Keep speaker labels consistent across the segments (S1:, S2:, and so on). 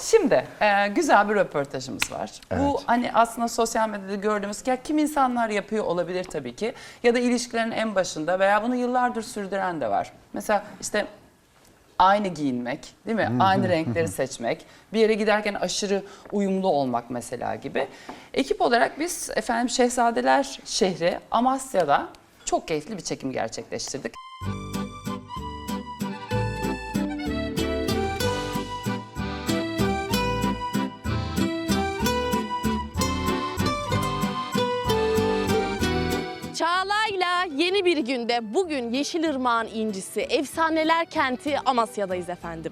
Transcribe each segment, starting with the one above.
S1: Şimdi güzel bir röportajımız var. Evet. Bu hani aslında sosyal medyada gördüğümüz ya kim insanlar yapıyor olabilir tabii ki. Ya da ilişkilerin en başında veya bunu yıllardır sürdüren de var. Mesela işte aynı giyinmek, değil mi? Aynı renkleri seçmek, bir yere giderken aşırı uyumlu olmak mesela gibi. Ekip olarak biz efendim Şehzadeler şehri Amasya'da çok keyifli bir çekim gerçekleştirdik.
S2: Çağla'yla yeni bir günde bugün Yeşilırmak'ın incisi, efsaneler kenti Amasya'dayız efendim.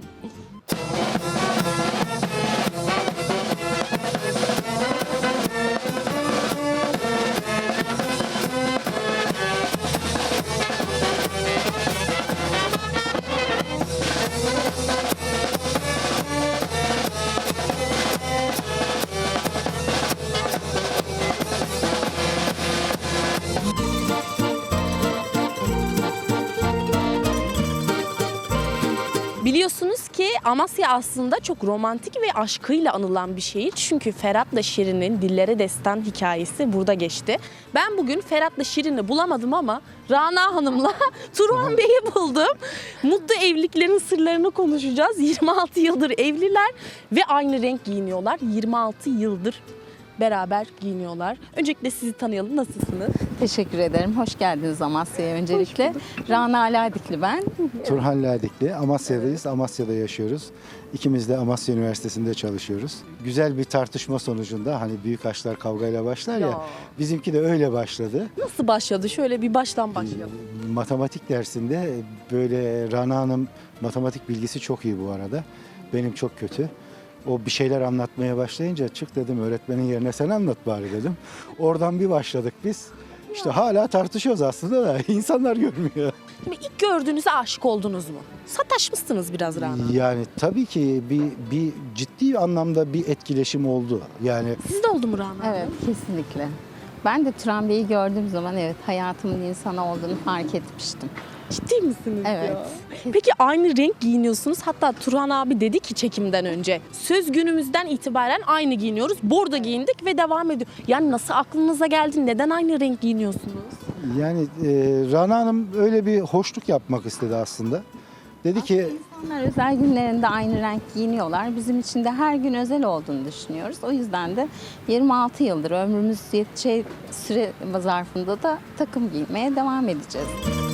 S2: Biliyorsunuz ki Amasya aslında çok romantik ve aşkıyla anılan bir şehir. Çünkü Ferhat'la Şirin'in dillere destan hikayesi burada geçti. Ben bugün Ferhat'la Şirin'i bulamadım ama Rana Hanım'la Turhan Bey'i buldum. Mutlu evliliklerin sırlarını konuşacağız. 26 yıldır evliler ve aynı renk giyiniyorlar. 26 yıldır beraber giyiniyorlar. Öncelikle sizi tanıyalım. Nasılsınız?
S3: Teşekkür ederim. Hoş geldiniz Amasya'ya öncelikle. Rana Ladikli ben.
S4: Turhan Ladikli. Amasya'dayız. Amasya'da yaşıyoruz. İkimiz de Amasya Üniversitesi'nde çalışıyoruz. Güzel bir tartışma sonucunda hani büyük aşklar kavgayla başlar ya. Bizimki de öyle başladı.
S2: Nasıl başladı? Şöyle bir baştan başlayalım.
S4: Matematik dersinde böyle Rana Hanım matematik bilgisi çok iyi bu arada. Benim çok kötü. O bir şeyler anlatmaya başlayınca çık dedim öğretmenin yerine sen anlat bari dedim. Oradan bir başladık biz. İşte hala tartışıyoruz aslında da insanlar görmüyor.
S2: Şimdi ilk gördüğünüzde aşık oldunuz mu? Sataşmışsınız biraz Rana.
S4: Yani tabii ki bir ciddi anlamda bir etkileşim oldu. Yani
S2: Sizde oldu mu Rana?
S3: Evet, kesinlikle. Ben de Turan Bey'i gördüğüm zaman evet hayatımın insanı olduğunu fark etmiştim.
S2: Ciddi misiniz
S3: Evet.
S2: ya? Peki aynı renk giyiniyorsunuz. Hatta Turhan abi dedi ki çekimden önce söz günümüzden itibaren aynı giyiniyoruz. Bordo giyindik ve devam ediyor. Yani nasıl aklınıza geldi? Neden aynı renk giyiniyorsunuz?
S4: yani Rana Hanım öyle bir hoşluk yapmak istedi aslında. Dedi ki
S3: İnsanlar özel günlerinde aynı renk giyiniyorlar. Bizim için de her gün özel olduğunu düşünüyoruz. O yüzden de 26 yıldır ömrümüz yeteceği süre zarfında da takım giymeye devam edeceğiz.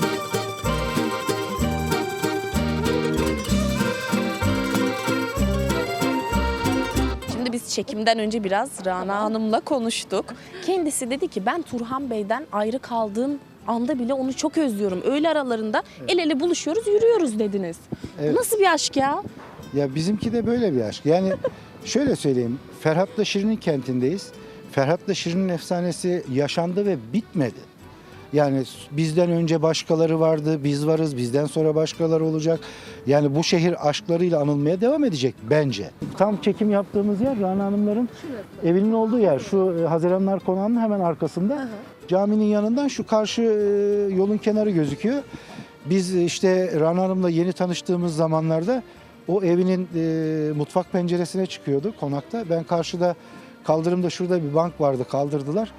S2: Şimdi biz çekimden önce biraz Rana Hanım'la konuştuk. Kendisi dedi ki ben Turhan Bey'den ayrı kaldığım anda bile onu çok özlüyorum. Öğle aralarında el ele buluşuyoruz, yürüyoruz dediniz.
S4: Evet.
S2: Nasıl bir aşk ya?
S4: ya bizimki de böyle bir aşk. Yani şöyle söyleyeyim, Ferhat'la Şirin'in kentindeyiz. Ferhat'la Şirin'in efsanesi yaşandı ve bitmedi. Yani bizden önce başkaları vardı, biz varız, bizden sonra başkaları olacak. Yani bu şehir aşklarıyla anılmaya devam edecek bence. Tam çekim yaptığımız yer Rana Hanımların evinin olduğu yer. Şu Haziranlar Konağı'nın hemen arkasında. Caminin yanından şu karşı yolun kenarı gözüküyor. Biz işte Rana Hanım'la yeni tanıştığımız zamanlarda o evinin mutfak penceresine çıkıyordu konakta. Ben karşıda kaldırımda şurada bir bank vardı, kaldırdılar.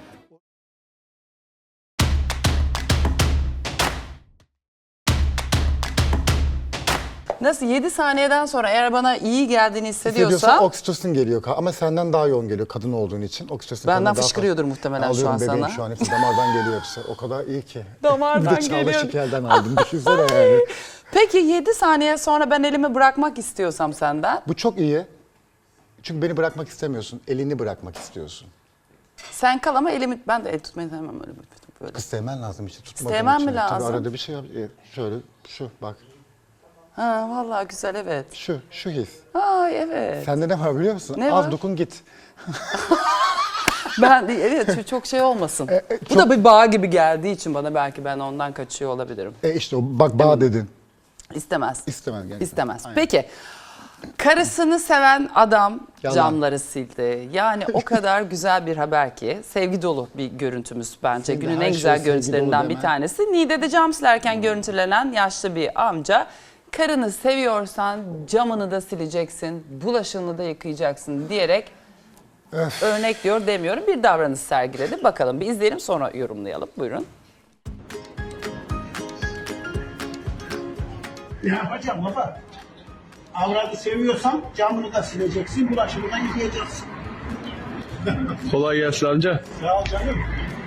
S1: Nasıl 7 saniyeden sonra eğer bana iyi geldiğini
S5: Hissediyorsan
S1: hissediyorsa
S5: oksitosin geliyor ama senden daha yoğun geliyor kadın olduğun için. Oksitosin
S1: benden
S5: daha
S1: fışkırıyordur
S5: fazla.
S1: muhtemelen şu
S5: Alıyorum
S1: an
S5: bebeğim
S1: sana.
S5: şu an hepsi damardan geliyor hepsi. O kadar iyi ki.
S1: Damardan
S5: Bir de Çağla
S1: geliyor.
S5: Şikel'den aldım düşünsene yani.
S1: Peki 7 saniye sonra ben elimi bırakmak istiyorsam senden,
S5: Bu çok iyi. Çünkü beni bırakmak istemiyorsun. Elini bırakmak istiyorsun.
S1: sen kal ama elimi, ben de el tutmayı sevmem öyle böyle.
S5: Kız sevmen lazım işte tutmadığın
S1: İstemem
S5: için.
S1: mi lazım?
S5: Tabii arada bir şey yap. Şöyle şu bak.
S1: Ha vallahi güzel evet.
S5: Şu his.
S1: Ay evet.
S5: Sende ne var biliyor musun?
S1: Ne
S5: Az
S1: var?
S5: dokun git.
S1: Ben evet çok şey olmasın. Bu da bir bağ gibi geldiği için bana belki ben ondan kaçıyor olabilirim.
S5: İşte o bak bağ dedin.
S1: İstemez.
S5: İstemez gerçekten.
S1: İstemez.
S5: Aynen.
S1: Peki. Karısını seven adam
S5: Yalan.
S1: camları sildi. Yani o kadar güzel bir haber ki sevgi dolu bir görüntümüz bence.
S5: Senin de
S1: Günün
S5: her
S1: en
S5: şey
S1: güzel
S5: sevgi dolu
S1: görüntülerinden bir
S5: deme.
S1: tanesi. Niğde'de cam silerken görüntülenen yaşlı bir amca karını seviyorsan camını da sileceksin, bulaşığını da yıkayacaksın diyerek örnek diyor demiyorum bir davranış sergiledi. Bakalım bir izleyelim sonra yorumlayalım. Buyurun.
S6: Ne yapacağım baba? Avradı seviyorsan camını da sileceksin, bulaşığını da yıkayacaksın.
S7: Kolay gelsin amca.
S6: Sağ ol canım.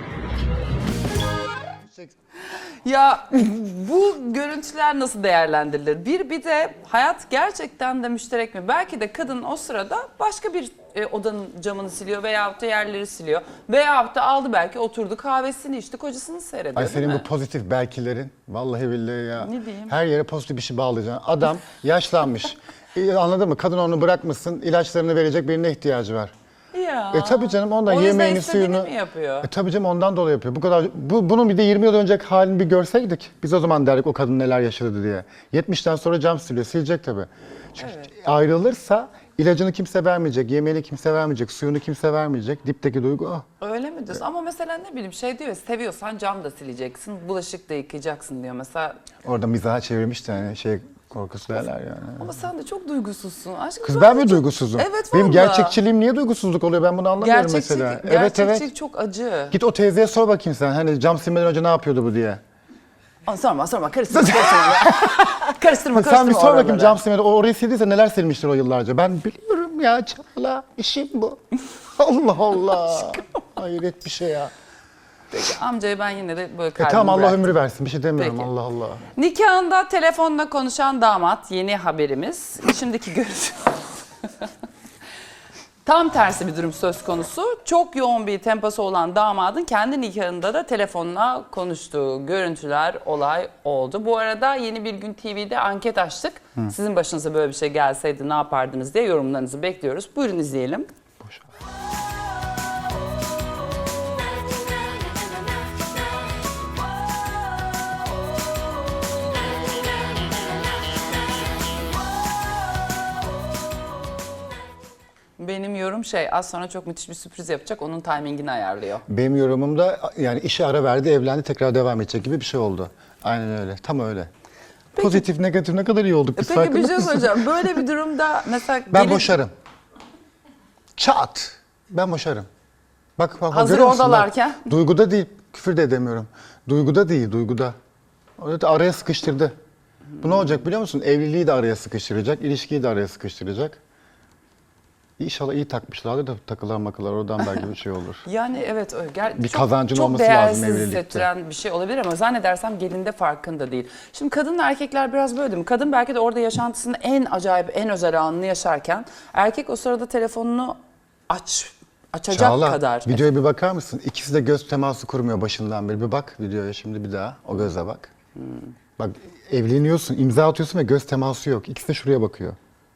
S1: Ya bu görüntüler nasıl değerlendirilir? Bir de hayat gerçekten de müşterek mi? Belki de kadın o sırada başka bir odanın camını siliyor veyahut da yerleri siliyor. Veyahut da aldı belki oturdu kahvesini içti kocasını seyrediyor.
S5: Ay
S1: değil
S5: senin
S1: mi?
S5: bu pozitif belkilerin vallahi billahi ya.
S1: Ne diyeyim?
S5: Her yere pozitif bir şey bağlayacaksın. Adam yaşlanmış. Anladın mı? Kadın onu bırakmışsın. İlaçlarını verecek birine ihtiyacı var.
S1: Ya.
S5: Tabii canım ondan
S1: O yüzden
S5: yemeğini
S1: istediğini
S5: suyunu.
S1: mi yapıyor?
S5: Tabii canım ondan dolayı yapıyor. Bu kadar bunun bir de 20 yıl önceki halini bir görseydik biz o zaman derdik o kadın neler yaşadı diye. 70'ten sonra cam siliyor. Silecek tabii. Çünkü ayrılırsa ilacını kimse vermeyecek, yemeğini kimse vermeyecek, suyunu kimse vermeyecek. Dipteki duygu o.
S1: Öyle mi diyorsun? Ama mesela ne bileyim şey diyor ya, seviyorsan cam da sileceksin, bulaşık da yıkayacaksın diyor mesela.
S5: Orada mizaha çevirmiş de hani şey korkusu derler yani.
S1: Ama sen de çok duygusuzsun. Aşkım
S5: Kız
S1: sen
S5: ben
S1: de
S5: mi
S1: çok-
S5: duygusuzum?
S1: Evet
S5: Benim
S1: vallahi.
S5: gerçekçiliğim niye duygusuzluk oluyor ben bunu anlamıyorum mesela.
S1: Gerçekçilik çok acı.
S5: Git o teyzeye sor bakayım sen hani cam silmeden önce ne yapıyordu bu diye.
S1: Sorma karıştırma. karıştırma.
S5: Sen bir sor bakayım
S1: oraları.
S5: cam silmeden orayı sildiyse neler silmiştir o yıllarca. Ben biliyorum ya Çağla işim bu. Allah Allah. Hayret bir şey ya.
S1: Peki amcayı ben yine de böyle kalbimi
S5: Tamam Allah
S1: bıraktım.
S5: ömrü versin bir şey demiyorum
S1: Peki.
S5: Allah Allah.
S1: Nikahında telefonla konuşan damat yeni haberimiz. Şimdiki görüntü. Tam tersi bir durum söz konusu. Çok yoğun bir temposu olan damadın kendi nikahında da telefonla konuştuğu görüntüler olay oldu. Bu arada Yeni Bir Gün TV'de anket açtık. Sizin başınıza böyle bir şey gelseydi ne yapardınız diye yorumlarınızı bekliyoruz. Buyurun izleyelim. Benim yorum az sonra çok müthiş bir sürpriz yapacak. Onun timingini ayarlıyor.
S5: Benim yorumumda yani işe ara verdi evlendi tekrar devam edecek gibi bir şey oldu. Aynen öyle tam öyle. Pozitif negatif ne kadar iyi olduk biz
S1: Peki
S5: farkında
S1: bir şey
S5: mısın?
S1: söyleyeceğim. Böyle bir durumda mesela...
S5: Ben boşarım. Çat. Ben boşarım. Bak
S1: Hazır
S5: görüyor musun?
S1: oradalarken.
S5: Bak, duyguda değil. Küfür de edemiyorum. Duyguda değil, duyguda. Orada da araya sıkıştırdı. Bu ne olacak biliyor musun? Evliliği de araya sıkıştıracak, ilişkiyi de araya sıkıştıracak. İnşallah iyi takmışlardır da takılan makılar oradan belki bir şey olur.
S1: Yani evet öyle.
S5: Bir kazancın
S1: çok
S5: olması lazım
S1: değersiz
S5: evlilikte.
S1: hissettiren bir şey olabilir ama zannedersem gelinde farkında değil. Şimdi kadınla erkekler biraz böyle değil mi? Kadın belki de orada yaşantısının en acayip, en özel anını yaşarken erkek o sırada telefonunu açacak
S5: Çağla,
S1: kadar.
S5: videoya bir bakar mısın? İkisi de göz teması kurmuyor başından beri. Bir bak videoya şimdi bir daha. O göze bak. Bak evleniyorsun, imza atıyorsun ve göz teması yok. İkisi de şuraya bakıyor.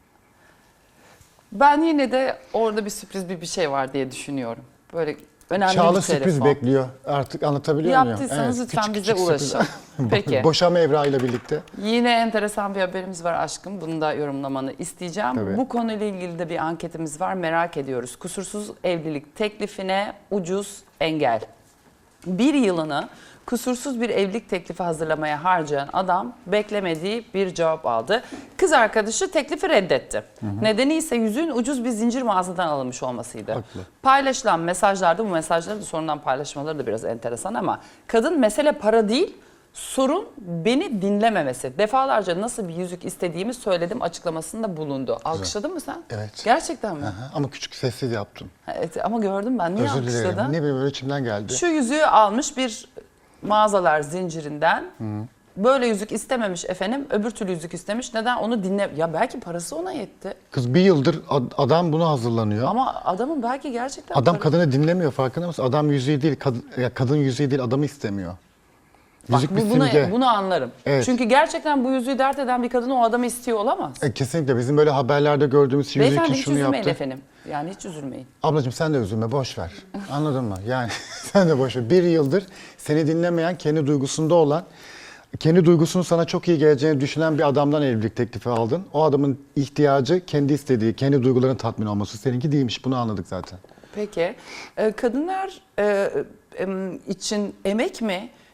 S1: Ben yine de orada bir sürpriz bir şey var diye düşünüyorum. Böyle önemli
S5: Çağla
S1: bir telefon.
S5: sürpriz bekliyor. Artık anlatabiliyor muyum?
S1: Yaptıysanız lütfen
S5: küçük
S1: bize
S5: küçük
S1: ulaşın.
S5: sürpriz.
S1: Peki.
S5: Boşanma evrağıyla birlikte.
S1: Yine enteresan bir haberimiz var aşkım. Bunu da yorumlamanı isteyeceğim.
S5: Tabii.
S1: Bu konuyla ilgili de bir anketimiz var. Merak ediyoruz. Kusursuz evlilik teklifine ucuz engel. Bir yılını kusursuz bir evlilik teklifi hazırlamaya harcayan adam beklemediği bir cevap aldı. Kız arkadaşı teklifi reddetti. Nedeni ise yüzüğün ucuz bir zincir mağazadan alınmış olmasıydı.
S5: Haklı.
S1: Paylaşılan mesajlarda bu mesajları da sonradan paylaşmaları da biraz enteresan ama kadın mesele para değil, sorun beni dinlememesi. Defalarca nasıl bir yüzük istediğimi söyledim açıklamasında bulundu. Alkışladın mı sen?
S5: Evet.
S1: Gerçekten mi?
S5: Aha, ama küçük sessiz yaptım.
S1: Evet, ama gördüm ben. Niye
S5: Özür dilerim.
S1: alkışladın?
S5: Ne bileyim öyle içimden geldi.
S1: Şu yüzüğü almış bir mağazalar zincirinden. Böyle yüzük istememiş efendim. Öbür türlü yüzük istemiş. Neden? Onu dinle... Ya belki parası ona yetti.
S5: Kız bir yıldır adam bunu hazırlanıyor.
S1: Ama adamın belki gerçekten...
S5: Adam
S1: para-
S5: kadını dinlemiyor farkında mısın? Adam yüzüğü değil, kadın yüzüğü değil adamı istemiyor.
S1: Bak,
S5: Yüzük bir
S1: bunu,
S5: simge.
S1: bunu anlarım.
S5: Evet.
S1: Çünkü gerçekten bu yüzüğü dert eden bir kadın o adamı istiyor olamaz.
S5: Kesinlikle bizim böyle haberlerde gördüğümüz yüzüğü
S1: Beyefendi
S5: kim
S1: hiç
S5: şunu
S1: üzülmeyin
S5: yaptı.
S1: efendim. Yani hiç üzülmeyin.
S5: Ablacığım sen de üzülme boş ver. Anladın mı? Yani sen de boş ver. Bir yıldır seni dinlemeyen, kendi duygusunda olan, kendi duygusunun sana çok iyi geleceğini düşünen bir adamdan evlilik teklifi aldın. O adamın ihtiyacı kendi istediği, kendi duygularının tatmin olması. Seninki değilmiş. Bunu anladık zaten.
S1: Peki. Kadınlar için emek mi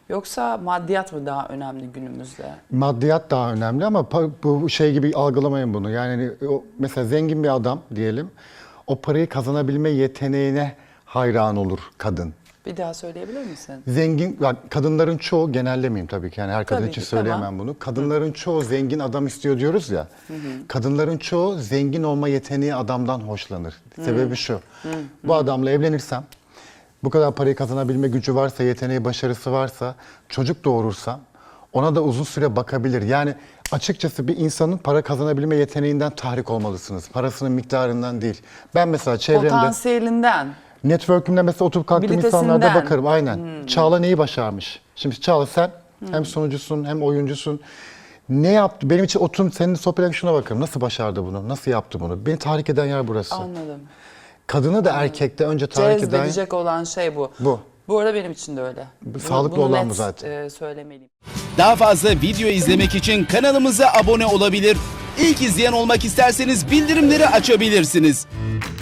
S1: Yoksa maddiyat mı daha önemli günümüzde?
S5: Maddiyat daha önemli ama bu şey gibi algılamayın bunu. Yani mesela zengin bir adam diyelim, o parayı kazanabilme yeteneğine hayran olur kadın.
S1: Bir daha söyleyebilir misin?
S5: Zengin, kadınların çoğu, genellemeyeyim tabii ki, yani her kadın
S1: Tabii
S5: için
S1: ki,
S5: söyleyemem
S1: tamam.
S5: bunu. Kadınların çoğu zengin adam istiyor diyoruz ya. Kadınların çoğu zengin olma yeteneği adamdan hoşlanır. Sebebi şu, bu adamla evlenirsem, bu kadar parayı kazanabilme gücü varsa, yeteneği, başarısı varsa, çocuk doğurursam ona da uzun süre bakabilir. Yani açıkçası bir insanın para kazanabilme yeteneğinden tahrik olmalısınız. Parasının miktarından değil. Ben mesela çevremde...
S1: Potansiyelinden.
S5: Network'ümde mesela oturup kalktığım
S1: Abilitesinden.
S5: insanlarda bakarım aynen. Çağla neyi başarmış? Şimdi Çağla sen hem sunucusun hem oyuncusun. Ne yaptı? Benim için oturup seninle sohbet ederken şuna bakarım. Nasıl başardı bunu? Nasıl yaptı bunu? Beni tahrik eden yer burası.
S1: Anladım.
S5: Kadını da erkekte önce tahrik eden...
S1: Cezbedecek olan şey bu.
S5: Bu.
S1: Bu arada benim için de öyle.
S5: Sağlıklı
S1: Bunu
S5: olan
S1: net,
S5: bu zaten.
S1: Söylemeliyim.
S8: Daha fazla video izlemek için kanalımıza abone olabilir. İlk izleyen olmak isterseniz bildirimleri açabilirsiniz.